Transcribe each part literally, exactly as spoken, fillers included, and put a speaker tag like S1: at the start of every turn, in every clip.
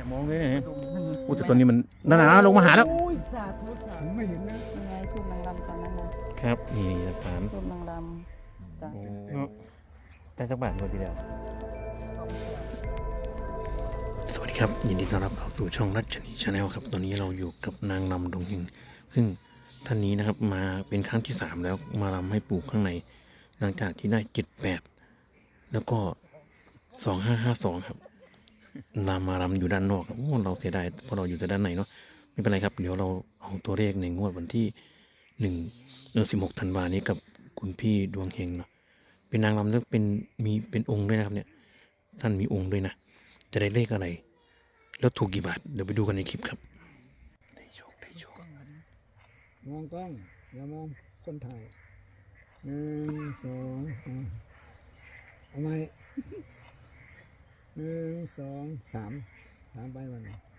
S1: เนี่ยมองเลยเนี่ยโอ้แต่ตอนนี้มันนั่นนะลงมาหาแล้ว
S2: ผมไม่เห็นนะ
S3: ยังไงทูบนางรำตอนนั้นนะครับ
S1: นี่หลักฐาน
S3: ทูบนางรำจ้ะ
S1: ได้สักบาทคนทีเดียวสวัสดีครับยินดีต้อนรับเข้าสู่ช่องรัชนีชาแนลครับตอนนี้เราอยู่กับนางรำดงหิงซึ่งท่านนี้นะครับมาเป็นครั้งที่สามแล้วมารำให้ปู่ข้างในหลังจากที่ได้เจ็ดแปดแล้วก็สองห้าห้าสองครับนำมารำอยู่ด้านนอกครับเราเสียดายเพราะเราอยู่แต่ด้านในเนาะไม่เป็นไรครับเดี๋ยวเราเอาตัวเลขในงวดวันที่หนึ่งเดือนสิบหกธันวานี้กับคุณพี่ดวงเฮงเนาะเป็นนางรำแล้วเป็นมีเป็นองค์ด้วยนะครับเนี่ยท่านมีองค์ด้วยนะจะได้เลขอะไรแล้วถูกกี่บาทเดี๋ยวไปดูกันในคลิปครับได้โชคได้โชค
S2: มองกล้องอย่ามองคนถ่ายหนึ่งสองเอาไหมหนึ่งสองสามสามไปวัน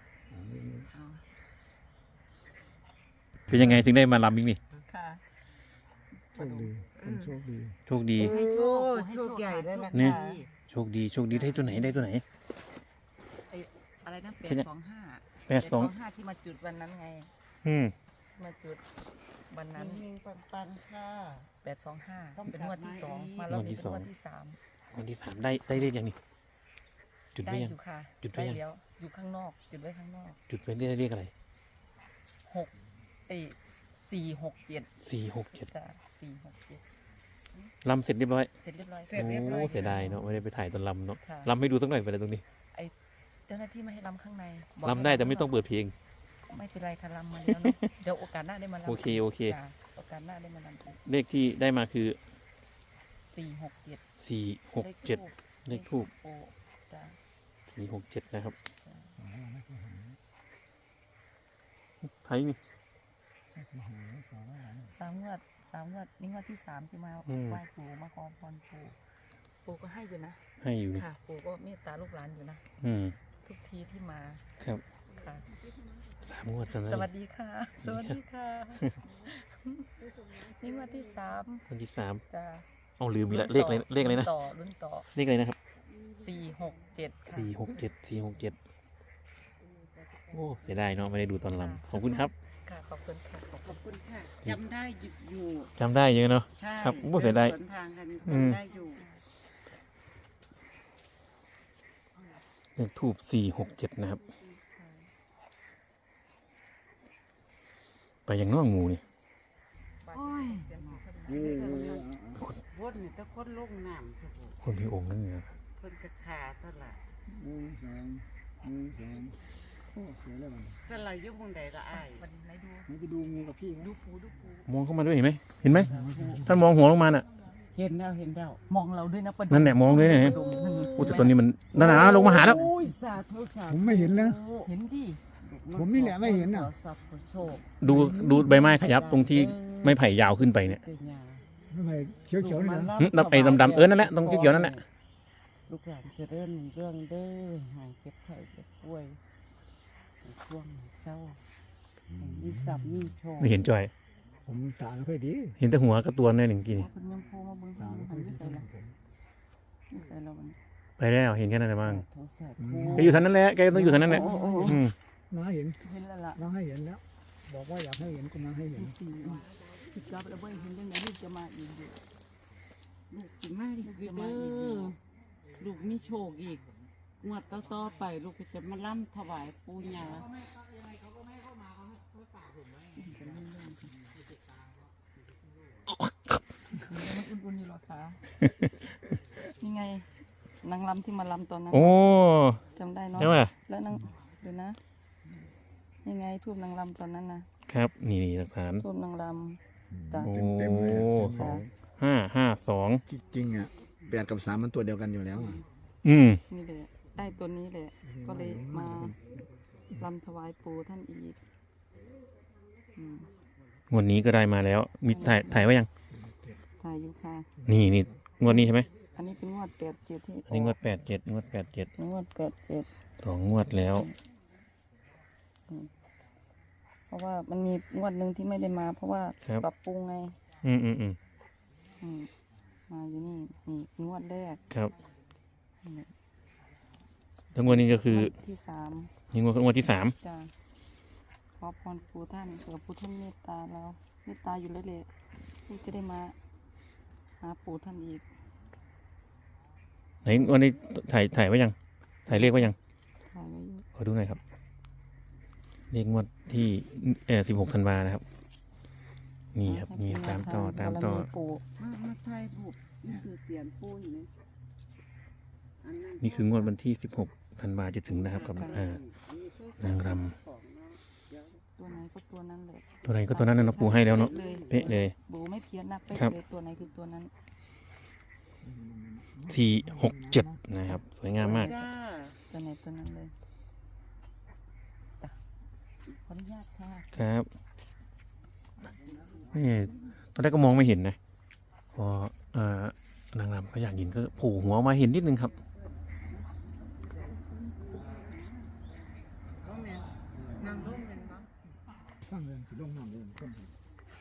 S1: เป็นยังไงถึงได้มาลำอีกนี่
S3: ค่ะ
S2: โชคดีคนโชคดี
S1: โชคดี
S3: ให้โชคให้โชคใหญ่ได้ละ
S1: เนี่ยโชคดีโชคดีได้ตัวไหนได้ตัวไหน
S3: ไออะไรนะแปดสองห้า
S1: แปดสอง
S3: ห้าที่มาจุดวันนั้นไง
S1: อืม
S3: มาจุดวันนั้น
S4: ปันปันค่ะ
S3: แปดสองห้าเป็นงวดที่สองมาแล้วนี่เป็นงวดที่สาม
S1: วันที่สามได้ได้เลขยังนี่จุดไว้ยัง
S3: อยู่ค่ะ
S1: จุดไว้ยัง
S3: เดี๋ยวอยู่ข้างนอกจุดไว้ข้างนอก
S1: จุดไว้ได้เลขอะไร
S3: หกเอสี่หกเจ็ด
S1: สี่หกเจ็ด
S3: จ้ะสี่หกเจ็ด
S1: ลำเสร็จเรียบร้อย
S3: เสร็จเรียบร้อย
S4: เสร็จเรียบร้อย
S1: โอ้เสียดายเนาะไม่ได้ไปถ่ายตอนลำเนาะลำให้ดูสักหน่อยไปเลยตรงนี้
S3: ไอเจ้าหน้าที่ไม่ให้ลำข้างใน
S1: ลำได้แต่ไม่ต้องเปิดเพลง
S3: ไม่เป็นไรค่ะลำมาแล้วเนาะเดี๋ยวโอกาสหน้าได้มาลำ
S1: โอเคโอเค
S3: โอกาสหน้าได้มาลำ
S1: เลขที่ได้มาคือ
S3: สี่หกเจ็ด
S1: สี่หกเจ็ดเลขทูบ
S3: จ้ะ
S1: สี่หกเจ็ดนะครับไทยนี่
S3: สามงวดสามงวดนี่งวดที่สามที่มาไหว้ปู่มาขอพรปู่ปู่ก็ให้อยู่นะ
S1: ให้อยู่
S3: ค่ะปู่ก็เมตตาลูกหลานอยู่นะ
S1: อืม
S3: ทุกทีที่มา
S1: ครับ
S3: ค่ะ
S1: สามงวดกัน
S3: สวัสดีค่ะสวัสดีค่ะนี่งวดที่สาม
S1: งวดที่สาม
S3: จ้ะ
S1: เอาลืมมีละเลขอะไรเลขอะไรนะ
S3: ต่อรุ่นต่อ
S1: เลขอะไรนะครับ
S3: สี่หกเจ็ด
S1: สี่หกเจ็ดสี่หกเจ็ดโอ้เสียดายเนาะไม่ได้ดูตอนลำขอบคุณครับ
S3: ค่ะขอบคุณค่ะ
S4: ขอบคุณค่ะจำได้อยู่
S1: จำได้เยอะเนาะ
S4: ใช่
S1: ครับโอ้เสียดาย
S4: สวนทางกันจำได้อยู่
S1: เลขทูบสี่หกเจ็ดนะครับไปยังน้องงูนี่
S4: โอ้ยคนนี่ถ้าคนลงน้ำ
S1: คนมีองค์นั่นเนี่ย
S4: คนกระขาตลาด
S2: หนึ่งสองหนึ่งสองโอ้สวยเลยมัน
S4: สลายยุบมุงใดก็อ้าย
S3: วันไหนดู
S2: ไหนไปดูงูกับพี่
S3: ดูปูดูปู
S1: มองเข้ามาด้วยเห็นไหมเห็นไหมท่านมองหัวลงมาน่ะ
S4: เห็นแล้วเห็นแล้ว
S3: มองเราด้วยนะ
S1: นั่นแหละมองด้วยเนี่ยโอ้แต่ตอนนี้มันนั่นนะลงมาหาแล้ว
S2: ผมไม่เห็นนะ
S3: เห็นดิ
S2: ผมนี่แหละไม่เห็นอ่ะ
S1: ดูดูใบไม้ขยับตรงที่ไม้ไผ่ยาวขึ้นไปเนี่ย
S2: ไม่ไผ่เขียวเขียวนี่นะ
S1: ไอ้ดำๆเออนั่นแหละตรงเขียวๆนั่นแหละ
S4: ลูกหลานจะเดินเรื่องเด้อหายเก็บไข่เก็บป่วยช่วงเศร้ามีสับมีโชว์
S1: ไม่เห็นจอย
S2: ผมตาไม่ค่อยดี
S1: เห็นแต่หัวกระตัวเนี่ยหนึ่งกี่
S2: ตาไม่ค่อยดี
S1: ไปแล้วเห็นแค่นั้นแหละบ้างแกอยู่ท่านั้นแหละแกต้องอยู่ท่านั้นแหละ
S2: มาเห็น
S3: เห็นแล้วล่ะ
S2: มาให้เห็นแล้วบอกว่าอยากให้เห็นก็มาให้เห็น
S3: สิบกับแล้วเห็นยังไงลูกจะมาอีก
S4: ลูกสิมาอีกเด้อลูกมีโชคอีกงวดต่อๆไปลูกจะมาล่ำถวายปู่ย่า
S3: อุ่นๆอยู่หรอคะนี่ไงนางรำที่มาลำตอนนั้น
S1: โอ้
S3: จำได้เนาะแล้วนางเดี๋ยวนะนี่ไงทูบนางรำตอนนั้นนะครับ
S1: นี่หลักฐาน
S3: ทูบนางรำจ้ะ
S1: โอ้สองห้าห้าสอง
S2: จริงอ่ะแปดกับสามมันตัวเดียวกันอยู่แล้ว
S1: อืม
S3: นี่แหละได้ตัวนี้แหละก็เลยมาลำถวายปู่ท่านอีก
S1: งวดนี้ก็ได้มาแล้วมีถ่ายถ่ายไว้ยัง
S3: ถ่ายอยู่ค่ะ
S1: นี่นี่งวดนี้ใช่ไหม
S3: อันนี้เป็นงวดแปดเจ็ดที่
S1: อันนี้งวดแปดเจ็ดงวดแปดเจ็ด
S3: งวดแปดเจ็ด
S1: สองงวดแล้ว
S3: เพราะว่ามันมีงวดหนึ่งที่ไม่ได้มาเพราะว่าปรับปรุงไง
S1: อืมอืมอืม
S3: มาอยู่นี่นี่งวดแรก
S1: ครับแล้วงวดนี้ก็คือ
S3: ที่สาม
S1: นี่งวดงวดที่สาม
S3: จ้ะขอพรปู่ท่านเผื่อปู่ท่านเมตตาเราเมตตาอยู่แล้วแหละที่จะได้มาหาปู่ท่านอีก
S1: ไหนวันนี้ถ่ายถ่ายไว้ยังถ่ายเลขไว้ยัง
S3: ถ่ายไว้อยู่
S1: ขอดูหน่อยครับเลขงวดที่เออสิบหกธันวานะครับนี่ครับนี่ตามต่อตามต่อ
S3: บารปู่
S4: มามาถ่ายรูปนี่คือเสียนปูอยู่นี่อันนั้น
S1: นี่คืองวดวันที่สิบหกธันวาจะถึงนะครับกับอ่านางร
S4: ของเนาะเดี๋ยว
S3: ตัวไหนก็ตัวนั้นแหละ
S1: ตัวไหนก็ตัวนั้นนะเนาะปูให้แล้วเนาะ
S3: เลย
S1: เป๊ะเลย
S3: บูไม่เพี้ยนนะเป๊ะ
S1: ครับ
S3: เลยตัวไหนคือตัวนั้น
S1: สี่หกเจ็ดนะครับ สวยงามมาก
S4: จ้า
S3: ตัวไหนตัวนั้นเลยจ้ะขออนุญาตค่ะ
S1: ครับนี่ตอนแรกก็มองไม่เห็นนะพอเอ่อนางรำก็อยากเห็นก็โผล่หัวมาเห็นนิดนึงครับ
S4: ก็แม่นนางร่มเป็นบ้าง
S2: ฟังเรื่องสิลงน้ำเรื่องคนไทย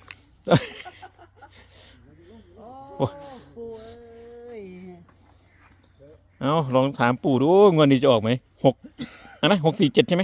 S4: โอ้ปูเอ้ย
S1: เอาลองถามปู่ดูงวดนี้จะออกไหมหกอันนะหกสี่เจ็ดใช่ไหม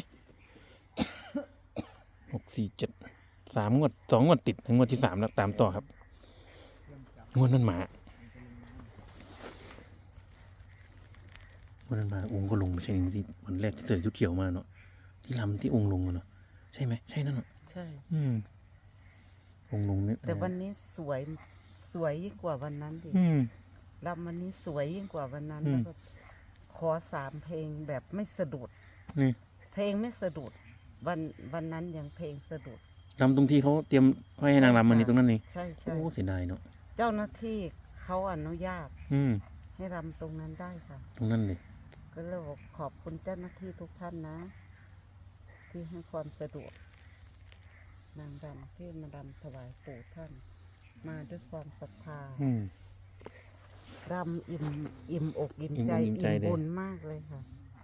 S1: หกสี่เจ็ดสามงวดสองงวดติดงวดที่สามแล้วตามต่อครับงวดนั้นหมางวดนั้นหมาองค์ก็ลงไม่ใช่ที่วันแรกที่เจอชุดเขียวมาเนาะที่ลำที่องค์ลงอะเนาะใช่ไหมใช่นั่นเนาะ
S4: ใช่
S1: อืมองค์ลงเนี่ย
S4: แต่วันนี้สวยสวยยิ่งกว่าวันนั้นดิ
S1: อืม
S4: รำวันนี้สวยยิ่งกว่าวันนั้น
S1: อืม
S4: แล้วก็ขอสามเพลงแบบไม่สะดุด
S1: นี่
S4: เพลงไม่สะดุด วันวันนั้นยังเพลงสะดุด
S1: ลำตรงที่เขาเตรียมไว้ให้นางรำมันนี่ตรงนั้นนี่
S4: ใช่ใช่
S1: โอ้เสียดายเนาะ
S4: เจ้าหน้าที่เขาอนุญาต
S1: อืม
S4: ให้รำตรงนั้นได้ค่ะ
S1: ตรงนั้นเลย
S4: ก็เลยบอกขอบคุณเจ้าหน้าที่ทุกท่านนะ ที่ให้ความสะดวก นางรำที่มารำถวายปู่ท่าน มาด้วยความศรัทธา
S1: อืม
S4: รำอิ่มอิ่มอกอิ่ม
S1: อิ่ม
S4: ใจ
S1: อกอิ่มใจ
S4: อิ่ม
S1: เลย
S4: บุญมากเลยค่ะ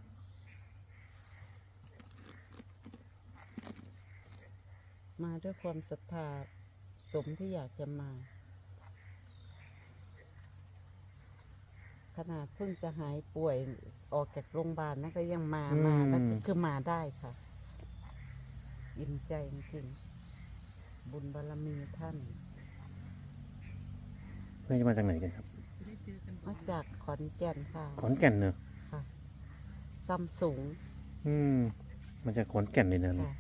S4: มาด้วยความศรัทธาสมที่อยากจะมา ขนาดเพิ่งจะหายป่วยออกจากโรงพยาบาลนะก็ยังมามาแล้วก็คือมาได้ค่ะ อิ่มใจจริงๆบุญบารมีท่าน
S1: เพื่อนจะมาจากไหนกันครับ
S4: มาจากขอนแก่นค่ะ
S1: ขอนแก่นเนอะ
S4: ค่ะซัมซุง
S1: อืมมาจากขอนแก่นเลยนะ
S4: ค่ะ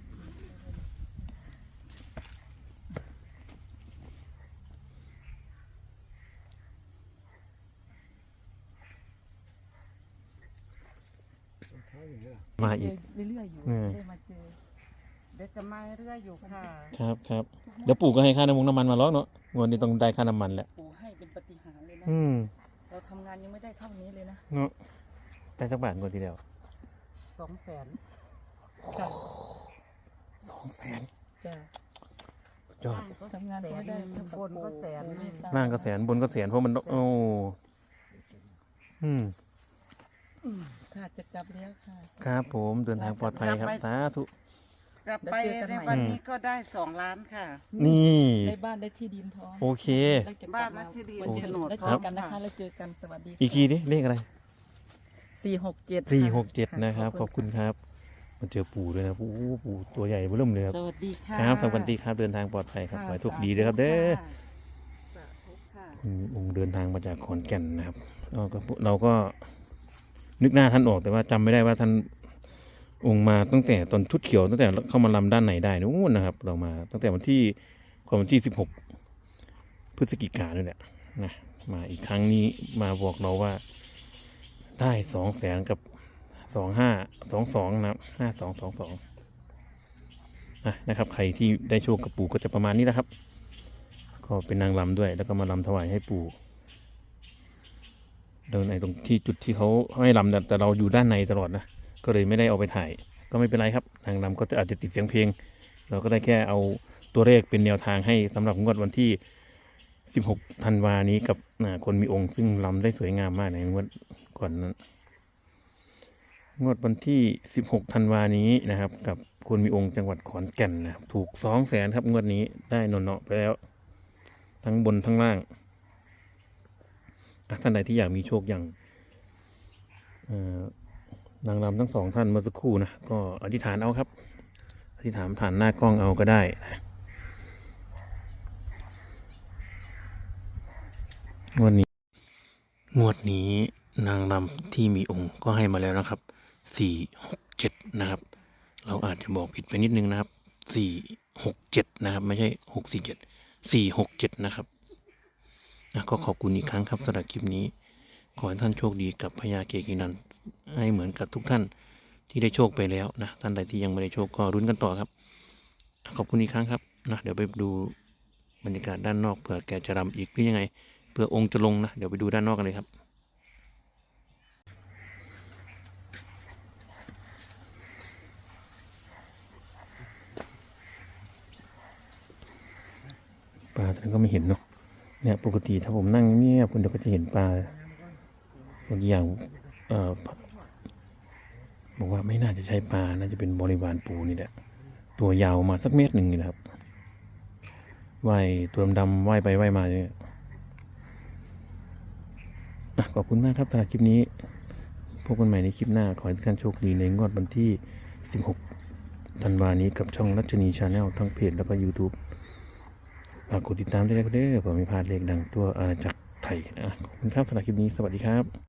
S2: เท้าอย่างนี้ล่ะ
S1: มาอีก
S3: เรื่อยๆอยู่
S1: อืม
S3: ได้มาเจอ
S4: เดี๋ยวจะมาเรื่อยอยู่ค่ะ
S1: ครับครับเดี๋ยวปู่ก็ให้ค่าน้ำมันน้ำมันมาแล้วเนาะงวดนี้ต้องได้ค่าน้ำมันแหละ
S3: ปู่ให้เป็นปาฏิหารย์เลยนะ
S1: อืม
S3: เราทำงานยังไม่ได้เท่านี้เลยนะ
S1: เนาะได้สักบาทงวดทีเดียว
S4: สองแสน
S3: จ้ะ
S1: สองแสน
S3: จ้ะ
S1: ยอด
S3: ทำงานก็ไม่ได้เท่ากับบ
S4: นก็แสน
S3: ปู่เมตต
S1: ล่างก็แสนบนก็แสนเพราะมันโอ้อืม
S3: ค่ะจะกลับแล้วค่ะ
S1: ครับผมเดินทางปลอดภัยครับสาธุ
S4: กลับไปในวันนี้ก็ได้สองล้านค่ะ
S1: นี่
S3: ได้บ้านได้ที่ดินพร้อม
S1: โอเค
S3: แล้วจะกลั
S4: บ้านและที่ดิน
S3: วัน
S4: โฉนด
S3: แล้ว
S4: พ
S3: เจ
S4: ร้อ
S3: อ
S4: ม
S3: กันนะคะ
S4: ค่ะ
S3: แล้วเจอกันสวัสดี
S1: อีกทีดิเลขอะไร
S3: สี่หกเจ็ด
S1: สี่หกเจ็ดนะครับ ขอบคุณครับมาเจอปู่ด้วยนะปู่ปู่ตัวใหญ่เบิ่มเลยครับ
S4: สวัสดีค่ะ
S1: ครับสวัสดีครับเดินทางปลอดภัยครับขอให้โชคดีด้วยครับเด้อ
S4: สาธุค่ะ
S1: คุณองค์เดินทางมาจากขอนแก่นนะครับเราก็เราก็นึกหน้าท่านออกแต่ว่าจำไม่ได้ว่าท่านองค์มาตั้งแต่ตอนชุดเขียวตั้งแต่เข้ามาลำด้านไหนได้นู้นนะครับ เรามาตั้งแต่วันที่ก่อนวันที่สิบหกพฤศจิกายนนี่แหละนะมาอีกครั้งนี้มาบอกเราว่าได้สองแสนกับสองห้าสองสองนะครับห้าสองสองสองอ่ะนะครับ ใครที่ได้โชคกับปู่ก็จะประมาณนี้นะครับ ก็เป็นนางรำด้วย แล้วก็มาลำถวายให้ปู่เดินในตรงที่จุดที่เขาให้ลำแต่แต่เราอยู่ด้านในตลอดนะก็เลยไม่ได้เอาไปถ่าย ก็ไม่เป็นไรครับนางรำก็จะอาจจะติดเสียงเพลง เราก็ได้แค่เอาตัวเลขเป็นแนวทางให้สำหรับงวดวันที่สิบหกธันวานี้กับอ่าคนมีองค์ซึ่งลำได้สวยงามมากในงวดก่อนนั้น งวดวันที่สิบหกธันวานี้นะครับ กับคนมีองค์จังหวัดขอนแก่นนะครับถูกสองแสนครับงวดนี้ได้นนเนาะไปแล้ว ทั้งบนทั้งล่างอ่ะท่านใดที่อยากมีโชคอย่างเอ่อนางรำทั้งสองท่านเมื่อสักครู่นะก็อธิษฐานเอาครับอธิษฐานผ่านหน้ากล้องเอาก็ได้นะงวดนี้งวดนี้นางรำที่มีองค์ก็ให้มาแล้วนะครับสี่หกเจ็ดนะครับเราอาจจะบอกผิดไปนิดนึงนะครับสี่หกเจ็ดนะครับไม่ใช่หกสี่เจ็ดสี่หกเจ็ดนะครับนะก็ขอบคุณอีกครั้งครับสำหรับคลิปนี้ขอให้ท่านโชคดีกับพญาเกกินันให้เหมือนกับทุกท่านที่ได้โชคไปแล้วนะท่านใดที่ยังไม่ได้โชคก็รุ้นกันต่อครับขอบคุณอีกครั้งครับนะเดี๋ยวไปดูบรรยากาศด้านนอกเผื่อแกจะรำอีกหรือยังไงเผื่อองค์จะลงนะเดี๋ยวไปดูด้านนอกกันเลยครับปลาท่านก็ไม่เห็นเนาะเนี่ยปกติถ้าผมนั่งเงียบคนเดียวก็จะเห็นปลาบางอย่างเอ่อบอกว่าไม่น่าจะใช่ปลาน่าจะเป็นบริวารปูนี่แหละตัวยาวมาสักเมตรหนึ่งนี่แหละครับว่ายตัวดำๆว่ายไปว่ายมาเนี่ยอ่ะขอบคุณมากครับสำหรับคลิปนี้พบกันใหม่ในคลิปหน้าขอให้ทุกท่านโชคดีในงวดวันที่สิบหกธันวานี้กับช่องรัชนีชาแนลทั้งเพจแล้วก็ YouTube ฝากกดติดตามด้วยนะครับเด้อเพื่อไม่พลาดเลขดังตัวอาณาจักรไทยนะขอบคุณครับสำหรับคลิปนี้สวัสดีครับ